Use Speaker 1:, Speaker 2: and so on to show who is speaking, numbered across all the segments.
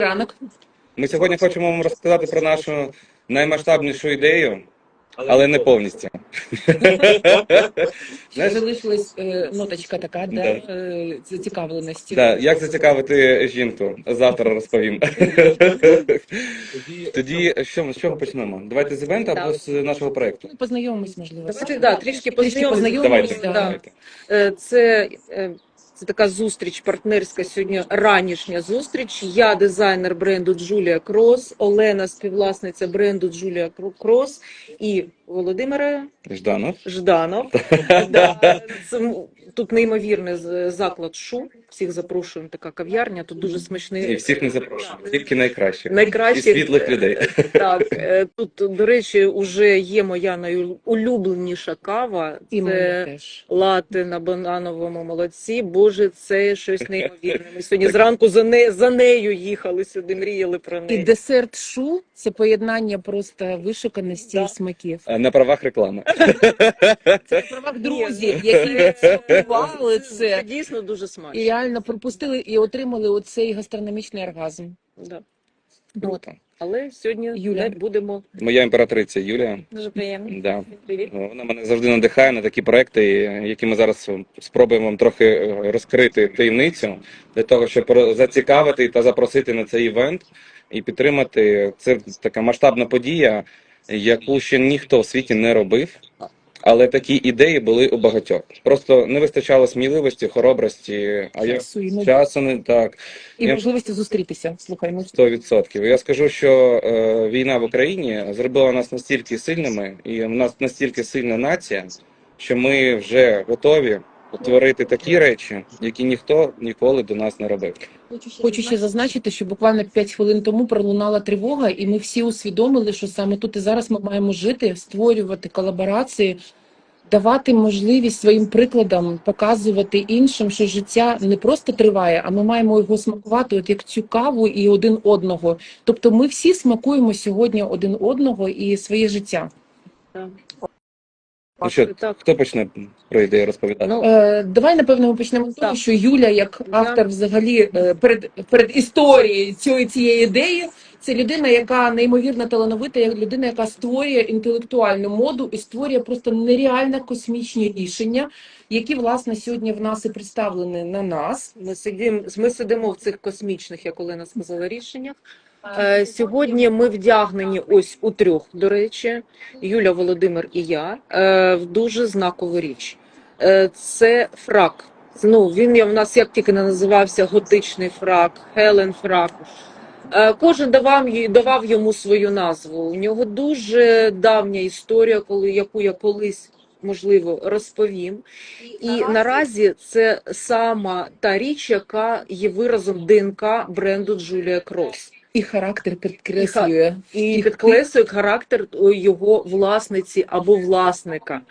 Speaker 1: Ранок.
Speaker 2: Ми сьогодні хочемо вам розказати про нашу наймасштабнішу ідею, але не повністю.
Speaker 1: Ще залишилась ноточка така,
Speaker 2: Да.
Speaker 1: зацікавленості.
Speaker 2: Да, як зацікавити жінку? Завтра розповім. Тоді з чого почнемо? Давайте з івенту або з нашого проєкту?
Speaker 1: Ну, познайомимось, можливо.
Speaker 3: Трішки познайомимось.
Speaker 2: Давайте.
Speaker 1: Да.
Speaker 2: Давайте.
Speaker 3: Це така зустріч партнерська сьогодні, ранішня зустріч. Я дизайнер бренду Джулія Крос, Олена співвласниця бренду Джулія Крос і Володимир Жданов. Да, тут неймовірний заклад Шу. Всіх запрошуємо, така кав'ярня, тут дуже смачний.
Speaker 2: І всіх не запрошую, тільки найкращих.
Speaker 3: Найкращих.
Speaker 2: І світлих людей.
Speaker 3: Так, тут, до речі, вже є моя найулюбленіша кава.
Speaker 1: І мене
Speaker 3: Це
Speaker 1: теж.
Speaker 3: латте на банановому молоці. Боже, це щось неймовірне. Ми сьогодні зранку за нею їхали сюди, мріяли про
Speaker 1: І
Speaker 3: неї.
Speaker 1: десерт шу – це поєднання просто вишуканості
Speaker 3: Да.
Speaker 1: і смаків.
Speaker 2: На правах реклами.
Speaker 1: Це правах друзів, які смакували це.
Speaker 3: Дійсно дуже
Speaker 1: І
Speaker 3: смачно.
Speaker 1: реально пропустили і отримали оцей гастрономічний оргазм.
Speaker 3: Да.
Speaker 1: От.
Speaker 3: Але сьогодні
Speaker 1: Юля.
Speaker 3: не будемо.
Speaker 2: Моя імператриця Юлія.
Speaker 3: Дуже приємно.
Speaker 2: Да.
Speaker 3: Привіт.
Speaker 2: Вона мене завжди надихає на такі проекти, які ми зараз спробуємо вам трохи розкрити таємницю для того, щоб зацікавити та запросити на цей івент і підтримати. Це така масштабна подія, яку ще ніхто в світі не робив. Але такі ідеї були у багатьох. Просто не вистачало сміливості, хоробрості, часу не так.
Speaker 1: І
Speaker 2: Я-
Speaker 1: можливості зустрітися. Слухай, ну
Speaker 2: 100%. Я скажу, що війна в Україні зробила нас настільки сильними, і в нас настільки сильна нація, що ми вже готові творити такі речі, які ніхто ніколи до нас не робив.
Speaker 1: хочу ще зазначити, що буквально 5 хвилин тому пролунала тривога, і ми всі усвідомили, що саме тут і зараз ми маємо жити, створювати колаборації, давати можливість своїм прикладам показувати іншим, що життя не просто триває, а ми маємо його смакувати, от як цю каву і один одного. Тобто ми всі смакуємо сьогодні один одного і своє життя.
Speaker 3: Так.
Speaker 2: Ну що,
Speaker 3: Так.
Speaker 2: хто почне про ідею розповідати?
Speaker 3: Ну,
Speaker 1: Давай, напевно, ми почнемо з того,
Speaker 3: Так.
Speaker 1: що Юля, як автор взагалі перед історією цієї ідеї, це людина, яка неймовірно талановита, як людина, яка створює інтелектуальну моду і створює просто нереально космічні рішення, які, власне, сьогодні в нас і представлені на нас.
Speaker 3: ми сидимо в цих космічних, як Олена сказала, рішеннях. Сьогодні ми вдягнені ось у трьох, до речі, Юля, Володимир і я, в дуже знакову річ. Це фрак. Він в нас як тільки не називався готичний фрак, Хелен фрак. Кожен давав йому свою назву. У нього дуже давня історія, яку я колись, можливо, розповім. І наразі це сама та річ, яка є виразом ДНК бренду Джулія Крос.
Speaker 1: І характер підкреслює.
Speaker 3: І підкреслює характер його власниці або власника.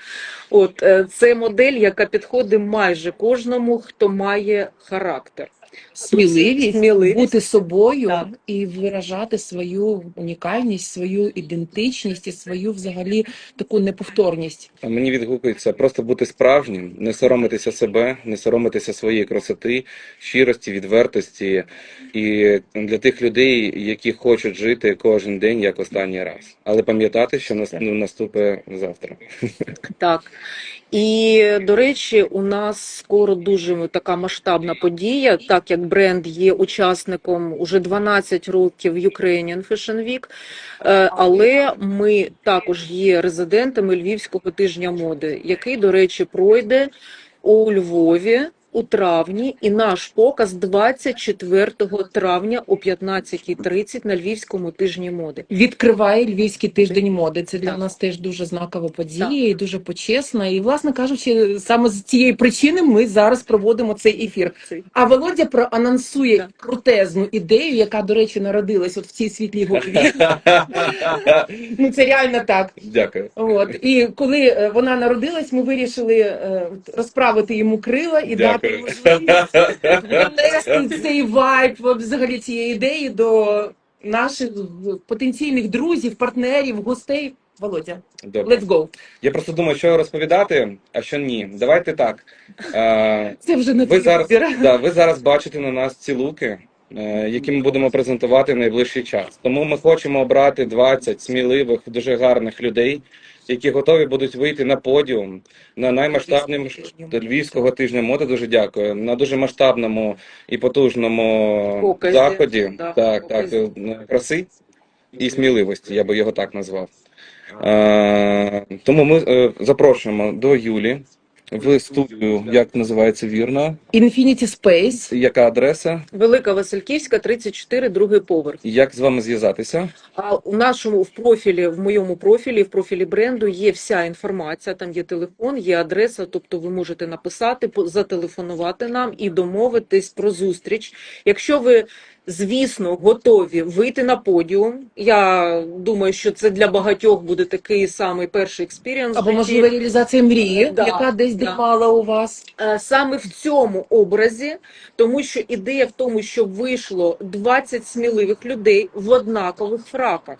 Speaker 3: Це модель, яка підходить майже кожному, хто має характер.
Speaker 1: Сміливість бути собою,
Speaker 3: Так.
Speaker 1: і виражати свою унікальність, свою ідентичність і свою взагалі таку неповторність.
Speaker 2: А мені відгукується просто бути справжнім, не соромитися себе, не соромитися своєї красоти, щирості, відвертості. І для тих людей, які хочуть жити кожен день як останній раз. Але пам'ятати, що наступить завтра.
Speaker 3: Так. І, до речі, у нас скоро дуже така масштабна подія, так як бренд є учасником уже 12 років Ukrainian Fashion Week, але ми також є резидентами Львівського тижня моди, який, до речі, пройде у Львові у травні, і наш показ 24 травня о 15:30 на Львівському тижні моди.
Speaker 1: Відкриває Львівський тиждень моди. Це для
Speaker 3: Так.
Speaker 1: нас теж дуже знакова подія
Speaker 3: Так.
Speaker 1: і дуже почесна. І, власне кажучи, саме з цієї причини ми зараз проводимо цей ефір. А Володя проанонсує
Speaker 3: Так.
Speaker 1: крутезну ідею, яка, до речі, народилась от в цій світлій голові. Ну, це реально так.
Speaker 2: Дякую.
Speaker 1: І коли вона народилась, ми вирішили розправити йому крила і дати можливість донести цей вайб взагалі цієї ідеї до наших потенційних друзів, партнерів, гостей. Володя,
Speaker 2: Добре.
Speaker 1: let's go.
Speaker 2: Я просто думаю, що розповідати, а що ні. Давайте так.
Speaker 1: Це вже не
Speaker 2: Ви
Speaker 1: твій вибір.
Speaker 2: зараз бачите на нас ці луки. які ми будемо презентувати в найближчий час. Тому ми хочемо обрати 20 сміливих, дуже гарних людей, які готові будуть вийти на подіум на наймасштабному Львівського тижня моди. Дуже дякую. На дуже масштабному і потужному
Speaker 3: Показі.
Speaker 2: заході.
Speaker 3: Да,
Speaker 2: Так,
Speaker 3: показі.
Speaker 2: краси і сміливості, я би його так назвав. Тому ми запрошуємо до Юлі в студію, як називається вірно,
Speaker 1: Infinity Space.
Speaker 2: яка адреса,
Speaker 3: Велика Васильківська, 34, другий поверх.
Speaker 2: як з вами зв'язатися.
Speaker 3: А у нашому в моєму профілі, в профілі бренду є вся інформація. Там є телефон, є адреса. Тобто ви можете написати, зателефонувати нам і домовитись про зустріч. Якщо ви, звісно, готові вийти на подіум, я думаю, що це для багатьох буде такий самий перший експірієнс.
Speaker 1: Або, можливо, реалізація мрії,
Speaker 3: Да,
Speaker 1: яка десь
Speaker 3: да.
Speaker 1: дрімала у вас.
Speaker 3: Саме в цьому образі, тому що ідея в тому, що вийшло 20 сміливих людей в однакових фраках.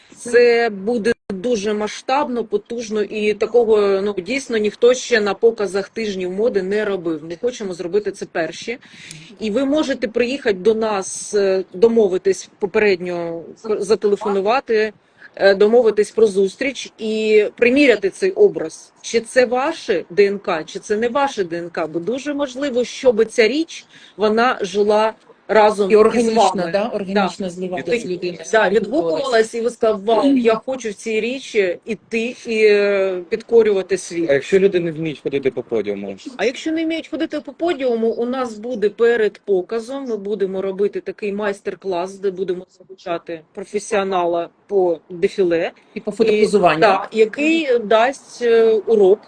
Speaker 3: Це буде дуже масштабно, потужно і такого дійсно ніхто ще на показах тижнів моди не робив. Ми хочемо зробити це перші. І ви можете приїхати до нас, домовитись попередньо, зателефонувати, домовитись про зустріч і приміряти цей образ. Чи це ваше ДНК, чи це не ваше ДНК, бо дуже можливо, щоб ця річ, вона жила разом
Speaker 1: І
Speaker 3: із
Speaker 1: органічно,
Speaker 3: вами.
Speaker 1: да? Органічно зливалась людина.
Speaker 3: Да, відгукувалась і ви сказали, вау, я хочу в цій річі іти і підкорювати
Speaker 2: А
Speaker 3: світ.
Speaker 2: якщо люди не вміють ходити по подіуму?
Speaker 3: А якщо не вміють ходити по подіуму, у нас буде перед показом, ми будемо робити такий майстер-клас, де будемо залучати професіонала по дефіле,
Speaker 1: І по фотопозуванню.
Speaker 3: так, який дасть урок,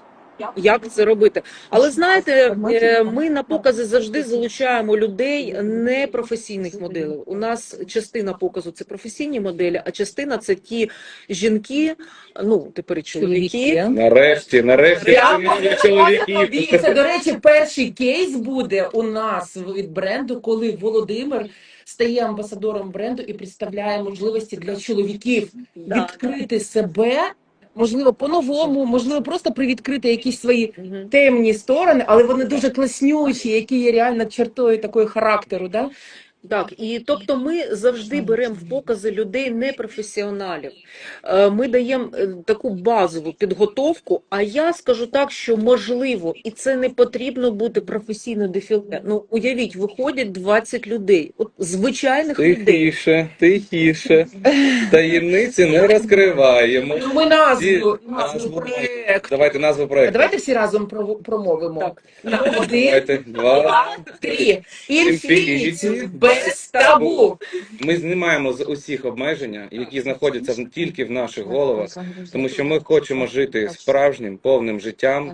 Speaker 3: як це робити. Але знаєте, ми на покази завжди залучаємо людей непрофесійних моделей. У нас частина показу це професійні моделі, а частина це ті жінки, тепер і чоловіки.
Speaker 2: Нарешті
Speaker 1: Прямо
Speaker 2: чоловіків.
Speaker 1: Це, до речі, перший кейс буде у нас від бренду, коли Володимир стає амбасадором бренду і представляє можливості для чоловіків відкрити себе, можливо, по-новому, можливо, просто привідкрити якісь свої
Speaker 3: Мгм.
Speaker 1: темні сторони, але вони дуже класнючі, які є реально чертою такої характеру. Да?
Speaker 3: Так, і тобто ми завжди беремо в покази людей непрофесіоналів. Ми даємо таку базову підготовку, а я скажу так, що можливо, і це не потрібно бути професійно дефіле. Уявіть, виходять 20 людей, от звичайних людей.
Speaker 2: Тихіше. Таємниці не розкриваємо.
Speaker 1: Ну, ми назву
Speaker 2: назву
Speaker 1: проєкту.
Speaker 2: Давайте назву проєкту.
Speaker 1: Давайте всі разом промовимо.
Speaker 3: Так.
Speaker 1: Один,
Speaker 2: Давайте, 2.
Speaker 1: 3. Інфініті без табу.
Speaker 2: Ми знімаємо з усіх обмеження, які знаходяться тільки в наших головах, тому що ми хочемо жити справжнім, повним життям.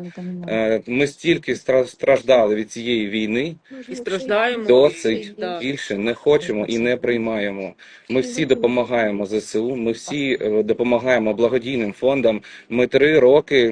Speaker 2: Ми стільки страждали від цієї війни,
Speaker 3: І страждаємо.
Speaker 2: досить,
Speaker 3: Да.
Speaker 2: більше не хочемо і не приймаємо. Ми всі допомагаємо ЗСУ, ми всі допомагаємо благодійним фондам. Ми 3 роки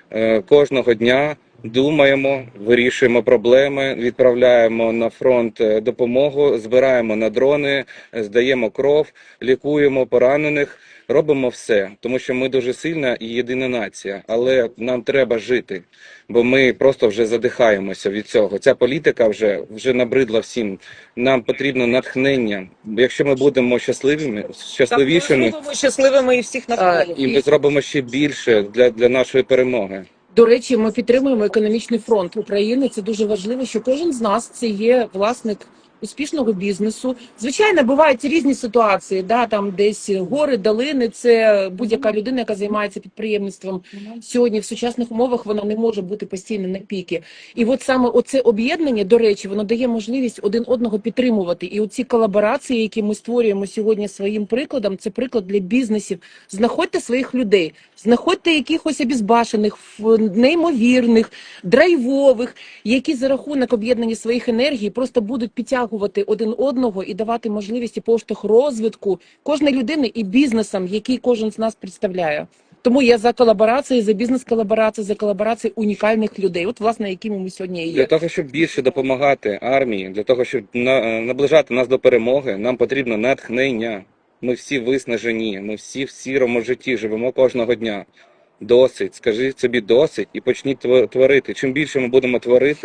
Speaker 2: кожного дня думаємо, вирішуємо проблеми, відправляємо на фронт допомогу, збираємо на дрони, здаємо кров, лікуємо поранених, робимо все, тому що ми дуже сильна і єдина нація, але нам треба жити, бо ми просто вже задихаємося від цього. Ця політика вже набридла всім. Нам потрібно натхнення. Якщо ми будемо щасливішими,
Speaker 3: Так, ми щасливими і всіх навколо.
Speaker 2: і ми зробимо ще більше для нашої перемоги.
Speaker 1: До речі, ми підтримуємо економічний фронт України. Це дуже важливо, що кожен з нас це є власник успішного бізнесу. Звичайно, бувають різні ситуації, да, там десь гори, долини, це будь-яка людина, яка займається підприємництвом. Сьогодні в сучасних умовах вона не може бути постійно на піки. І от саме оце об'єднання, до речі, воно дає можливість один одного підтримувати. І оці колаборації, які ми створюємо сьогодні своїм прикладом, це приклад для бізнесів. Знаходьте своїх людей, знаходьте якихось обізбашених, неймовірних, драйвових, які за рахунок об'єднання своїх енергій просто будуть підтягувати один одного і давати можливість і поштовх розвитку кожної людини і бізнесам, який кожен з нас представляє. Тому я за колаборації, за бізнес-колаборації, за колаборації унікальних людей, от власне, якими ми сьогодні і
Speaker 2: Для
Speaker 1: є.
Speaker 2: того, щоб більше допомагати армії, для того, щоб наближати нас до перемоги, нам потрібно натхнення. Ми всі виснажені, ми всі в сірому житті живемо кожного дня. Досить, скажіть собі досить і почніть творити. Чим більше ми будемо творити,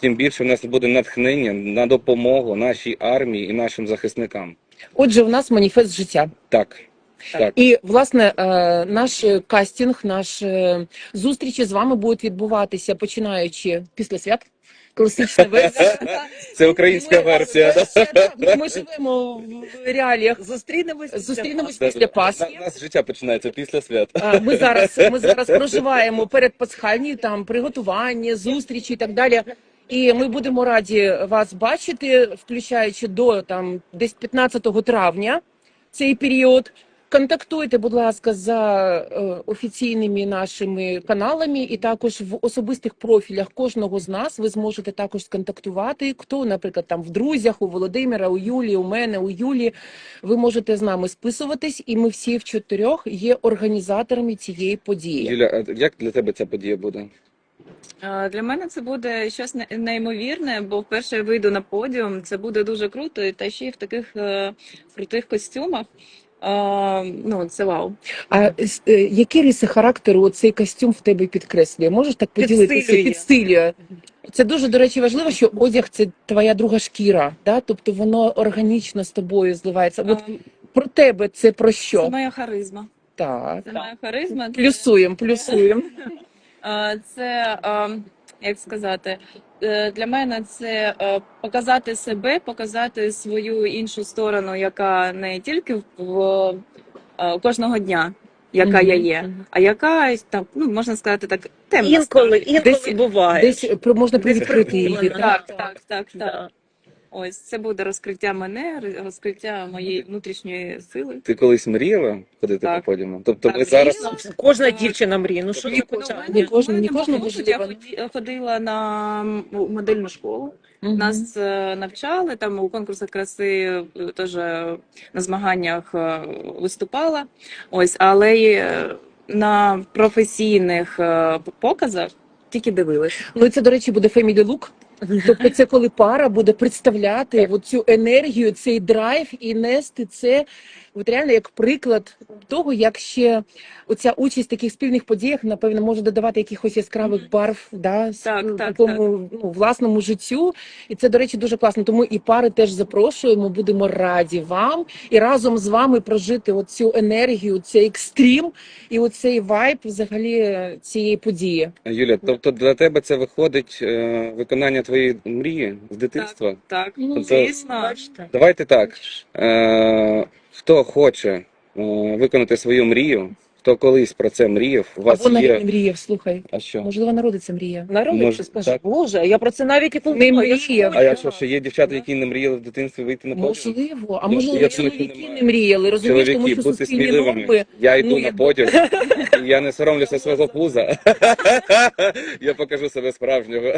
Speaker 2: тим більше в нас буде натхнення на допомогу нашій армії і нашим захисникам.
Speaker 1: Отже, у нас маніфест життя.
Speaker 2: Так. Так.
Speaker 1: І, власне, наш кастинг, наші зустрічі з вами будуть відбуватися, починаючи після свят. Класична версія.
Speaker 2: Це українська версія.
Speaker 1: Ми живемо в реаліях. Зустрінемось після Пасхи.
Speaker 2: У нас життя починається після свят.
Speaker 1: Ми зараз проживаємо передпасхальні там приготування, зустрічі і так далі. І ми будемо раді вас бачити, включаючи до там десь 15 травня цей період. Контактуйте, будь ласка, за офіційними нашими каналами, і також в особистих профілях кожного з нас ви зможете також сконтактувати. Хто, наприклад, там в друзях, у Володимира, у Юлії, у мене, у Юлі. Ви можете з нами списуватись, і ми всі в 4 є організаторами цієї події.
Speaker 2: Юля, а як для тебе ця подія буде?
Speaker 4: Для мене це буде щось неймовірне, бо вперше я вийду на подіум. Це буде дуже круто, та ще й в таких крутих костюмах. Ну, це вау.
Speaker 1: А які риси характеру цей костюм в тебе підкреслює? Можеш так поділитися? Підсилює. Це дуже, до речі, важливо, що одяг – це твоя друга шкіра, да? Тобто воно органічно з тобою зливається. От про тебе це про що?
Speaker 4: Це моя харизма.
Speaker 1: Так.
Speaker 4: Це моя харизма.
Speaker 1: Плюсуємо.
Speaker 4: Це, як сказати, для мене це показати себе, показати свою іншу сторону, яка не тільки в кожного дня, яка я є, а яка, там, ну, можна сказати так, темна
Speaker 3: Інколи
Speaker 1: Десь-
Speaker 3: буває.
Speaker 1: Десь можна привідкрити її.
Speaker 4: Так. Ось це буде розкриття мене, розкриття моєї внутрішньої сили.
Speaker 2: Ти колись мріяла ходити
Speaker 4: Так.
Speaker 2: по подіуму? Тобто
Speaker 4: Так,
Speaker 2: ми зараз...
Speaker 4: звісно.
Speaker 3: Кожна дівчина мріє. Ну що
Speaker 4: Ну,
Speaker 3: ти
Speaker 4: в
Speaker 3: хочеш?
Speaker 4: мене-
Speaker 1: кожна
Speaker 4: в мене
Speaker 1: можливо.
Speaker 4: був досвід. Я ходила на модельну школу. Нас навчали там у конкурсах краси, теж на змаганнях виступала. Ось, але й на професійних показах тільки дивилась.
Speaker 1: Ну і це, до речі, буде family look. Тобто це коли пара буде представляти цю енергію, цей драйв і нести це от реально як приклад того, як ще оця участь в таких спільних подіях, напевно, може додавати якихось яскравих барв, да,
Speaker 4: Так.
Speaker 1: такому власному життю. І це, до речі, дуже класно. Тому і пари теж запрошуємо, будемо раді вам і разом з вами прожити оцю енергію, цей екстрім і оцей вайб взагалі цієї події.
Speaker 2: Юля, тобто для тебе це виходить виконання твоєї мрії з дитинства?
Speaker 4: Так,
Speaker 1: Ну,
Speaker 4: звісно.
Speaker 3: Бачите?
Speaker 2: Давайте так. Хто хоче виконати свою мрію, хто колись про це мріяв, у вас
Speaker 1: Або навіть не
Speaker 2: є...
Speaker 1: мріяв, слухай.
Speaker 2: А що?
Speaker 1: Можливо, народиться мрія.
Speaker 3: Народиться,
Speaker 2: Може,
Speaker 3: скаже,
Speaker 2: так.
Speaker 3: Боже, я про це навіть і
Speaker 1: Не
Speaker 3: подумала.
Speaker 1: мріяв.
Speaker 2: А якщо ще є дівчата, які не мріяли в дитинстві вийти на подіум?
Speaker 1: Можливо, а
Speaker 2: Ну,
Speaker 1: можливо,
Speaker 2: я
Speaker 1: чоловіки
Speaker 2: думаю,
Speaker 1: не мріяли, розумієш, тому
Speaker 2: Чоловіки,
Speaker 1: що
Speaker 2: будьте
Speaker 1: суспільні
Speaker 2: сміливими.
Speaker 1: норми.
Speaker 2: Я йду
Speaker 1: ну,
Speaker 2: на подіум, і я не соромлюся свого пуза. Я покажу себе справжнього,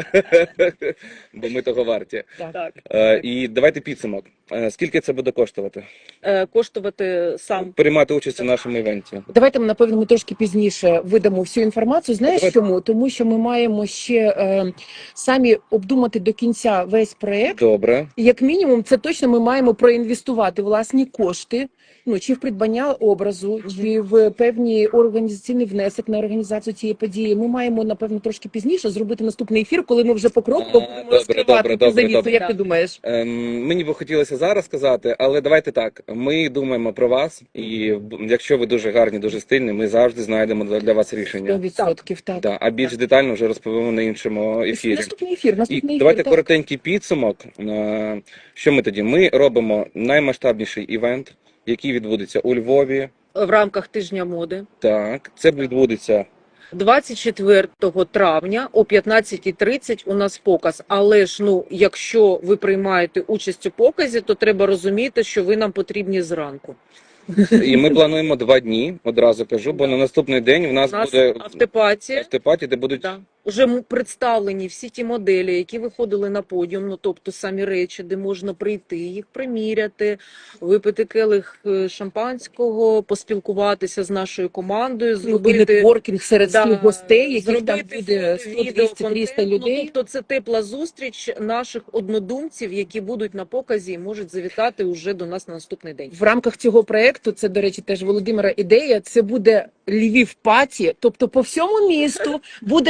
Speaker 2: бо ми того варті.
Speaker 3: Так.
Speaker 2: І давайте підсумок. Скільки це буде коштувати?
Speaker 3: Коштувати сам.
Speaker 2: Приймати участь у нашому івенті.
Speaker 1: Давайте, напевно, ми трошки пізніше видамо всю інформацію. Знаєш
Speaker 2: Давайте.
Speaker 1: чому? Тому що ми маємо ще самі обдумати до кінця весь проєкт.
Speaker 2: Добре.
Speaker 1: Як мінімум, це точно ми маємо проінвестувати власні кошти, ну чи в придбання образу, чи в певний організаційний внесок на організацію цієї події. Ми маємо, напевно, трошки пізніше зробити наступний ефір, коли ми вже покроково будемо
Speaker 2: добре,
Speaker 1: розкривати
Speaker 2: добре,
Speaker 1: цю завісу.
Speaker 2: добре.
Speaker 1: Як ти думаєш?
Speaker 2: Мені би хотілося зараз сказати, але давайте так. Ми думаємо про вас, і якщо ви дуже гарні, дуже стильні, ми завжди знайдемо для вас рішення.
Speaker 1: 100%, так.
Speaker 2: Да, а більш детально вже розповімо на іншому ефірі.
Speaker 1: Наступний ефір,
Speaker 2: І давайте
Speaker 1: так.
Speaker 2: коротенький підсумок. Що ми тоді? Ми робимо наймасштабніший івент, який відбудеться у Львові.
Speaker 3: В рамках тижня моди.
Speaker 2: Так, це відбудеться
Speaker 3: 24 травня о 15:30 у нас показ. Але ж, ну, якщо ви приймаєте участь у показі, то треба розуміти, що ви нам потрібні зранку.
Speaker 2: і ми плануємо 2 дні, одразу кажу, бо на наступний день в
Speaker 3: У
Speaker 2: нас
Speaker 3: нас
Speaker 2: буде
Speaker 3: автопатія.
Speaker 2: автопаті, де будуть
Speaker 3: Да. Уже представлені всі ті моделі, які виходили на подіум, ну тобто самі речі, де можна прийти, їх приміряти, випити келих шампанського, поспілкуватися з нашою командою,
Speaker 1: І
Speaker 3: зробити
Speaker 1: нетворкінг серед своїх гостей, яких там
Speaker 3: зробити
Speaker 1: буде 100, 200, 300 людей.
Speaker 3: Ну, тобто це тепла зустріч наших однодумців, які будуть на показі і можуть завітати уже до нас на наступний день.
Speaker 1: В рамках цього проекту, це, до речі, теж Володимира ідея, це буде Львів паті, тобто по всьому місту буде от вся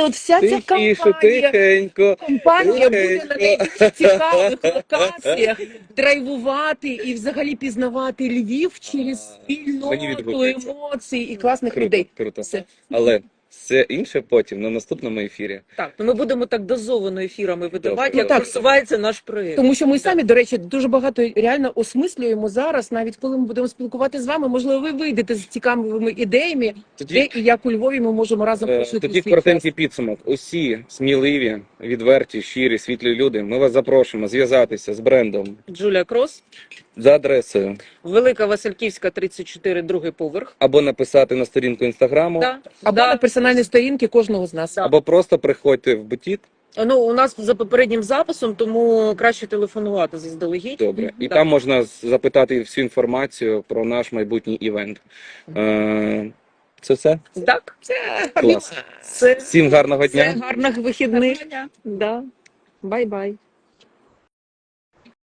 Speaker 1: ця
Speaker 2: Тихіше,
Speaker 1: компанія.
Speaker 2: Тихенько.
Speaker 1: Компанія буде на найбільш цікавих
Speaker 2: Тихенько.
Speaker 1: локаціях драйвувати і взагалі пізнавати Львів через
Speaker 2: Мені
Speaker 1: спільноту
Speaker 2: відгукується.
Speaker 1: емоцій і класних
Speaker 2: Круто,
Speaker 1: людей.
Speaker 2: круто.
Speaker 1: Все.
Speaker 2: Але все інше потім на наступному ефірі.
Speaker 3: Так, то ми будемо так дозовано ефірами видавати,
Speaker 2: Добре.
Speaker 3: як
Speaker 1: Так.
Speaker 3: просувається наш проєкт.
Speaker 1: Тому що ми самі, до речі, дуже багато реально осмислюємо зараз, навіть коли ми будемо спілкуватися з вами, можливо, ви вийдете з цікавими ідеями, де
Speaker 2: Тоді,
Speaker 1: і як у Львові ми можемо разом прожити
Speaker 2: тоді
Speaker 1: свій
Speaker 2: коротенький
Speaker 1: час.
Speaker 2: підсумок. Усі сміливі, відверті, щирі, світлі люди. Ми вас запрошуємо зв'язатися з брендом
Speaker 3: Джулія Крос,
Speaker 2: за адресою
Speaker 3: Велика Васильківська, 34, другий поверх.
Speaker 2: або написати на сторінку інстаграму,
Speaker 3: Да,
Speaker 1: Або
Speaker 3: да.
Speaker 1: на персональні сторінки кожного з нас.
Speaker 3: Да.
Speaker 2: або просто приходьте в бутік.
Speaker 3: Ну, у нас за попереднім записом, тому краще телефонувати заздалегідь.
Speaker 2: Добре. І
Speaker 3: Да.
Speaker 2: там можна запитати всю інформацію про наш майбутній івент. Це все?
Speaker 3: Так,
Speaker 2: Клас.
Speaker 3: це,
Speaker 2: Всім гарного
Speaker 3: це
Speaker 2: дня.
Speaker 3: гарних вихідних.
Speaker 4: Гарного дня.
Speaker 3: Да. Бай-бай.